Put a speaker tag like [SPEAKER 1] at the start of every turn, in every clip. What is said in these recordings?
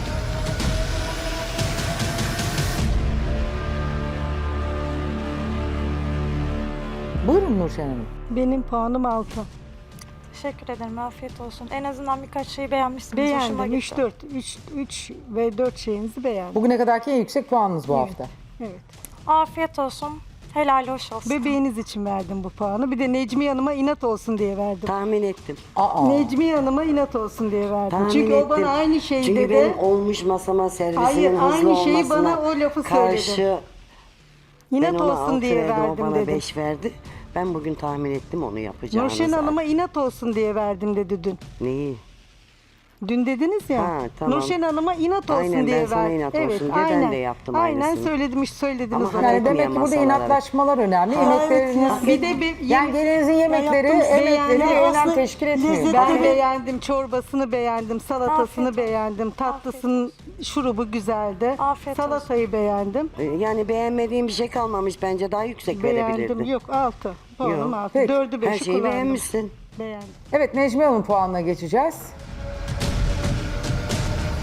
[SPEAKER 1] Buyurun Nurşen Hanım.
[SPEAKER 2] Benim puanım 6.
[SPEAKER 3] Teşekkür ederim. Afiyet olsun. En azından birkaç şeyi beğenmişsiniz. Hoşuma
[SPEAKER 2] Beğendim.
[SPEAKER 3] gitti.
[SPEAKER 2] 3 ve 4 şeyinizi beğendim.
[SPEAKER 1] Bugüne kadarki en yüksek puanınız bu hafta.
[SPEAKER 2] Evet.
[SPEAKER 3] Afiyet olsun. Helal hoş olsun.
[SPEAKER 2] Bebeğiniz için verdim bu puanı. Bir de Necmiye Hanım'a inat olsun diye verdim.
[SPEAKER 4] Tahmin ettim.
[SPEAKER 1] Aa.
[SPEAKER 2] Necmiye Hanım'a inat olsun diye verdim.
[SPEAKER 4] Tahmin
[SPEAKER 2] Çünkü
[SPEAKER 4] ettim.
[SPEAKER 2] o bana aynı şeyi
[SPEAKER 4] Çünkü
[SPEAKER 2] dedi.
[SPEAKER 4] benim olmuş masama servisinin
[SPEAKER 2] Hayır,
[SPEAKER 4] hızlı
[SPEAKER 2] aynı şeyi
[SPEAKER 4] olmasına
[SPEAKER 2] bana o lafı
[SPEAKER 4] karşı
[SPEAKER 2] söyledi.
[SPEAKER 4] ben
[SPEAKER 2] İnat
[SPEAKER 4] ona
[SPEAKER 2] olsun
[SPEAKER 4] 6
[SPEAKER 2] diye
[SPEAKER 4] verdim, o
[SPEAKER 2] verdim
[SPEAKER 4] bana
[SPEAKER 2] dedi.
[SPEAKER 4] 5 verdi. Ben bugün tahmin ettim onu yapacağını.
[SPEAKER 2] Nurşen
[SPEAKER 4] zaten.
[SPEAKER 2] Hanım'a inat olsun diye verdim dedi dün.
[SPEAKER 4] Neyi?
[SPEAKER 2] Dün dediniz ya.
[SPEAKER 4] Ha, tamam.
[SPEAKER 2] Nurşen Hanım'a inat olsun
[SPEAKER 4] Aynen,
[SPEAKER 2] diye
[SPEAKER 4] ben sana
[SPEAKER 2] verdim.
[SPEAKER 4] inat olsun diye ben de yaptım
[SPEAKER 2] Aynen
[SPEAKER 4] aynısını.
[SPEAKER 2] söylediniz
[SPEAKER 4] Ama
[SPEAKER 2] onu.
[SPEAKER 4] hak
[SPEAKER 1] Yani
[SPEAKER 4] etmeyen
[SPEAKER 1] demek ki burada
[SPEAKER 4] masalara.
[SPEAKER 1] inatlaşmalar önemli. Yemekleriniz,
[SPEAKER 2] Bir de
[SPEAKER 1] yani gelinizin yemekleri,
[SPEAKER 2] yaptım,
[SPEAKER 1] emekleri
[SPEAKER 2] beğendim.
[SPEAKER 1] önem
[SPEAKER 2] Aslında
[SPEAKER 1] teşkil etmiyor.
[SPEAKER 2] Ben
[SPEAKER 1] Başka-
[SPEAKER 2] beğendim, çorbasını beğendim, salatasını
[SPEAKER 3] Afiyet olsun.
[SPEAKER 2] beğendim, tatlısının şurubu güzeldi.
[SPEAKER 3] Afiyet
[SPEAKER 2] Salatayı beğendim.
[SPEAKER 4] Yani beğenmediğim bir şey kalmamış bence daha yüksek
[SPEAKER 2] Beğendim.
[SPEAKER 4] verebilirdin.
[SPEAKER 2] Yok 6. Puanım
[SPEAKER 4] Yok.
[SPEAKER 2] 6.
[SPEAKER 1] Peki.
[SPEAKER 2] 4'ü 5'i
[SPEAKER 4] Her şeyi
[SPEAKER 2] kullandım.
[SPEAKER 4] beğenmişsin.
[SPEAKER 2] Beğendim.
[SPEAKER 1] Evet, Necmiye Hanım'ın puanına geçeceğiz.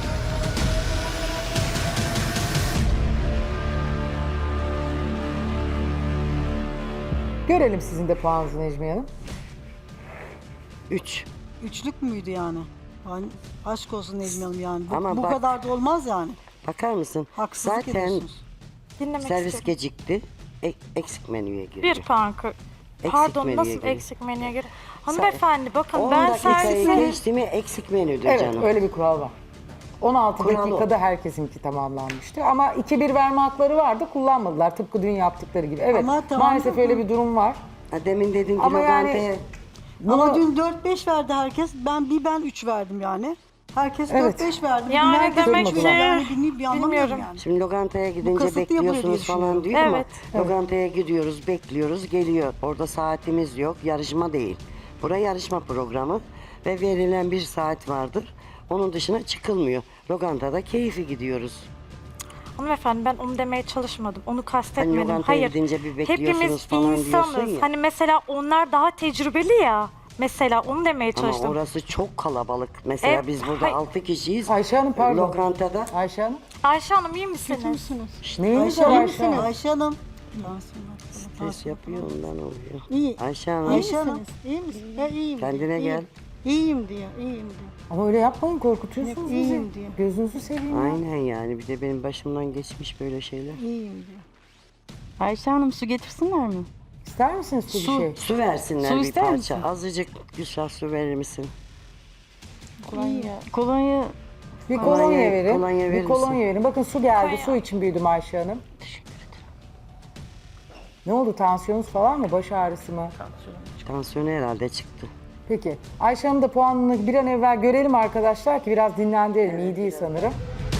[SPEAKER 1] görelim sizin de puanınızı Necmiye Hanım.
[SPEAKER 4] 3.
[SPEAKER 2] Üçlük müydü yani? Yani aşk olsun Necmiye Hanım yani.
[SPEAKER 4] Ama
[SPEAKER 2] Bu
[SPEAKER 4] bak-
[SPEAKER 2] kadar da olmaz yani.
[SPEAKER 4] Bakar mısın?
[SPEAKER 2] Haksızlık
[SPEAKER 4] Zaten
[SPEAKER 2] ediyorsunuz.
[SPEAKER 3] Dinlemek
[SPEAKER 4] servis
[SPEAKER 3] istiyorum.
[SPEAKER 4] gecikti. Eksik menüye girdi.
[SPEAKER 3] Bir puan kır.
[SPEAKER 4] Eksik
[SPEAKER 3] Pardon
[SPEAKER 4] menüye
[SPEAKER 3] nasıl
[SPEAKER 4] göre.
[SPEAKER 3] eksik menüye göre? Hanımefendi bakın
[SPEAKER 4] 10
[SPEAKER 3] ben
[SPEAKER 4] dakikayı
[SPEAKER 3] servise...
[SPEAKER 4] geçti mi eksik menüdür
[SPEAKER 1] Evet,
[SPEAKER 4] canım.
[SPEAKER 1] öyle bir kural var. 16
[SPEAKER 4] Kural o.
[SPEAKER 1] dakikada herkesinki tamamlanmıştı. Ama 2-1 verme hakları vardı, kullanmadılar. Tıpkı dün yaptıkları gibi. Evet,
[SPEAKER 2] Ama tamam,
[SPEAKER 1] maalesef
[SPEAKER 2] tamam.
[SPEAKER 1] öyle bir durum var.
[SPEAKER 4] Ha, demin dedin ki
[SPEAKER 1] Ama yani-
[SPEAKER 4] lokantaya
[SPEAKER 2] Ama
[SPEAKER 1] Bunu-
[SPEAKER 2] dün 4-5 verdi herkes. Ben 3 verdim yani. Herkes
[SPEAKER 1] Evet.
[SPEAKER 2] 4-5 verdi. Bugün
[SPEAKER 3] Yani
[SPEAKER 2] herkes
[SPEAKER 3] demek
[SPEAKER 2] üç
[SPEAKER 1] ki-
[SPEAKER 2] verdi. Yani anlamıyorum
[SPEAKER 3] bilmiyorum.
[SPEAKER 2] yani.
[SPEAKER 4] Şimdi lokantaya gidince
[SPEAKER 2] kasıtlı yapılıyor diye
[SPEAKER 4] bekliyorsunuz falan diyor
[SPEAKER 3] Evet.
[SPEAKER 4] ama lokantaya gidiyoruz, bekliyoruz, geliyor. Orada saatimiz yok, yarışma değil. Burası yarışma programı ve verilen bir saat vardır. Onun dışına çıkılmıyor. Lokantada keyfi gidiyoruz.
[SPEAKER 3] Hanımefendi ben onu demeye çalışmadım. Onu
[SPEAKER 4] Hani
[SPEAKER 3] kastetmedim.
[SPEAKER 4] lokantaya
[SPEAKER 3] Hayır.
[SPEAKER 4] gidince bir bekliyorsunuz
[SPEAKER 3] Hepimiz
[SPEAKER 4] falan diyorsun
[SPEAKER 3] insanız.
[SPEAKER 4] ya.
[SPEAKER 3] Hani mesela onlar daha tecrübeli ya. Mesela onu demeye
[SPEAKER 4] Ama
[SPEAKER 3] çalıştım.
[SPEAKER 4] orası çok kalabalık. Mesela biz burada
[SPEAKER 3] hayır.
[SPEAKER 4] 6 kişiyiz.
[SPEAKER 1] Ayşe Hanım pardon.
[SPEAKER 4] Lokantada
[SPEAKER 1] Ayşe Hanım.
[SPEAKER 3] Ayşe Hanım iyi misiniz?
[SPEAKER 1] Neyiniz
[SPEAKER 2] Ayşe
[SPEAKER 1] var
[SPEAKER 2] Hanım,
[SPEAKER 1] Ayşe Hanım?
[SPEAKER 2] Ayşe Hanım.
[SPEAKER 4] stres yapıyor ondan oluyor.
[SPEAKER 5] İyi.
[SPEAKER 4] Ayşe Hanım
[SPEAKER 2] Ayşe Hanım.
[SPEAKER 5] İyi misin? Ya iyiyim
[SPEAKER 4] kendine
[SPEAKER 5] diyor.
[SPEAKER 4] gel.
[SPEAKER 5] İyiyim diyor, iyiyim diyor.
[SPEAKER 1] Ama öyle yapmayın, korkutuyorsunuz bizi.
[SPEAKER 5] İyiyim diyor.
[SPEAKER 1] Gözünüzü seveyim ya.
[SPEAKER 4] Aynen yani bir de benim başımdan geçmiş böyle şeyler.
[SPEAKER 5] İyiyim diyor.
[SPEAKER 6] Ayşe Hanım su getirsinler mi?
[SPEAKER 1] İster misiniz su bir
[SPEAKER 6] Su.
[SPEAKER 1] şey?
[SPEAKER 4] Su versinler
[SPEAKER 6] Su
[SPEAKER 4] bir
[SPEAKER 6] ister
[SPEAKER 4] parça.
[SPEAKER 6] misin?
[SPEAKER 4] Azıcık Gülşah su verir misin?
[SPEAKER 6] Kolonya
[SPEAKER 1] Bir kolonya
[SPEAKER 4] Kolonya-
[SPEAKER 1] verin.
[SPEAKER 4] kolonya verir
[SPEAKER 1] Bir kolonya
[SPEAKER 4] misin?
[SPEAKER 1] verin. Bakın su geldi.
[SPEAKER 3] Kolonya.
[SPEAKER 1] Su için büyüdüm Ayşe Hanım. Ne oldu? Tansiyonunuz falan mı? Baş ağrısı mı?
[SPEAKER 4] Tansiyonu herhalde çıktı.
[SPEAKER 1] Peki. Ayşe Hanım da puanını bir an evvel görelim arkadaşlar ki biraz dinlendirelim. İyi değil sanırım.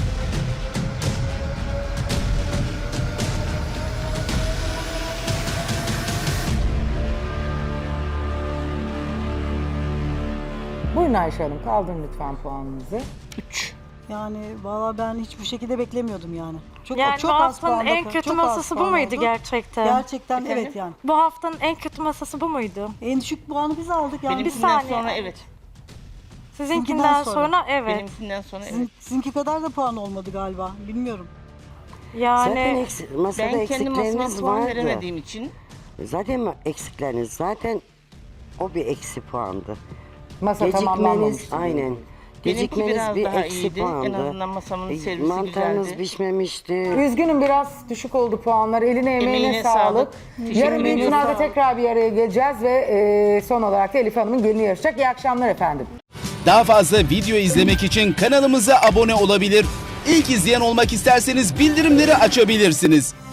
[SPEAKER 1] Buyurun Ayşe Hanım. Kaldırın lütfen puanınızı.
[SPEAKER 2] Yani valla ben hiç bu şekilde beklemiyordum yani. Çok,
[SPEAKER 3] Yani
[SPEAKER 2] çok
[SPEAKER 3] bu
[SPEAKER 2] az
[SPEAKER 3] haftanın
[SPEAKER 2] puanda
[SPEAKER 3] en
[SPEAKER 2] kal-
[SPEAKER 3] kötü
[SPEAKER 2] çok az
[SPEAKER 3] masası bu
[SPEAKER 2] puan
[SPEAKER 3] muydu
[SPEAKER 2] oldu.
[SPEAKER 3] gerçekten?
[SPEAKER 2] Gerçekten evet yani.
[SPEAKER 3] Bu haftanın en kötü masası bu muydu?
[SPEAKER 2] En düşük puanı biz aldık yani.
[SPEAKER 7] Benimkinden
[SPEAKER 3] saniye.
[SPEAKER 7] sonra evet.
[SPEAKER 3] Sizinkinden
[SPEAKER 2] Sizinkinden
[SPEAKER 3] sonra,
[SPEAKER 2] sonra.
[SPEAKER 3] evet.
[SPEAKER 7] Benimkinden sonra evet.
[SPEAKER 2] Sizinki kadar da puan olmadı galiba. Bilmiyorum.
[SPEAKER 4] Zaten
[SPEAKER 3] Yani
[SPEAKER 4] masada
[SPEAKER 7] Ben kendi masama
[SPEAKER 4] eksikleriniz
[SPEAKER 7] puan
[SPEAKER 4] vardı.
[SPEAKER 7] veremediğim için
[SPEAKER 4] Zaten eksikleriniz zaten o bir eksi puandı.
[SPEAKER 1] Masa
[SPEAKER 4] Gecikmeniz
[SPEAKER 1] tamamlanmamıştı.
[SPEAKER 4] aynen.
[SPEAKER 7] benimki
[SPEAKER 4] Gecikmeniz
[SPEAKER 7] biraz
[SPEAKER 4] bir
[SPEAKER 7] daha
[SPEAKER 4] eksi
[SPEAKER 7] iyiydi.
[SPEAKER 4] puandı.
[SPEAKER 7] En azından masamın servisi
[SPEAKER 4] Mantarınız
[SPEAKER 7] güzeldi.
[SPEAKER 4] pişmemişti.
[SPEAKER 1] Üzgünüm biraz düşük oldu puanlar. Eline emeğine
[SPEAKER 7] Emeğine
[SPEAKER 1] sağlık.
[SPEAKER 7] sağlık.
[SPEAKER 1] Yarın büyük
[SPEAKER 7] ediyorum.
[SPEAKER 1] finalde tekrar bir araya geleceğiz ve son olarak da Elif Hanım'ın gelini yarışacak. İyi akşamlar efendim.
[SPEAKER 8] Daha fazla video izlemek için kanalımıza abone olabilir. İlk izleyen olmak isterseniz bildirimleri açabilirsiniz.